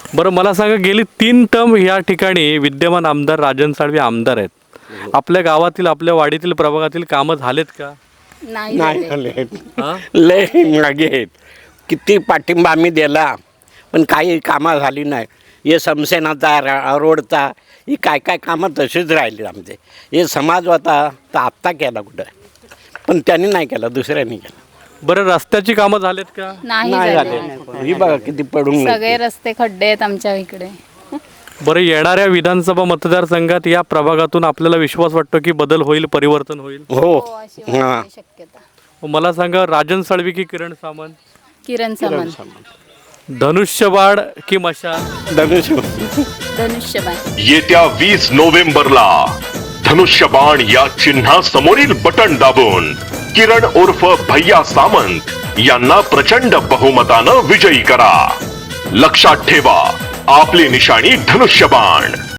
बरं मला सांगा, गेली 3 टर्म या ठिकाणी विद्यमान आमदार राजन साळवी आमदार आहेत. आपल्या गावातील, आपल्या वाडीतील, प्रभागातील कामं झालेत का? नाही नाही झाले. झाले, हा? लय मागे आहेत. किती पाठिंबा आम्ही दिला पण काही कामं झाली नाही. हे समसेनाचा रोडचा ही काय काय कामं तशीच राहिली आमचे. हे समाज होता तर आत्ता केला कुठं, पण त्यांनी नाही केला, दुसऱ्यांनी केला. बरं रस्त्याची कामं झालेत का? नाही नाही झाले. झाले. ही बघा किती पडून सगळे गेली. रस्ते खड्डे आहेत आमच्या इकडे. बरं येणाऱ्या विधानसभा मतदारसंघात या प्रभागातून आपल्याला विश्वास वाटतो की बदल होईल, परिवर्तन होईल? हो अशी हां वाटते शक्यता. मला सांगा, राजन साळवी की किरण सामंत? किरण सामंत. धनुष्यबाण की मशाल? धनुष्य धनुष्यबाण. येत्या 20 नोव्हेंबरला धनुष्यबाण या चिन्हा समोरील बटन दाबून किरण उर्फ भैया सामंत यांना प्रचंड बहुमतानं विजयी करा. लक्षात ठेवा, आपली निशाणी धनुष्यबाण.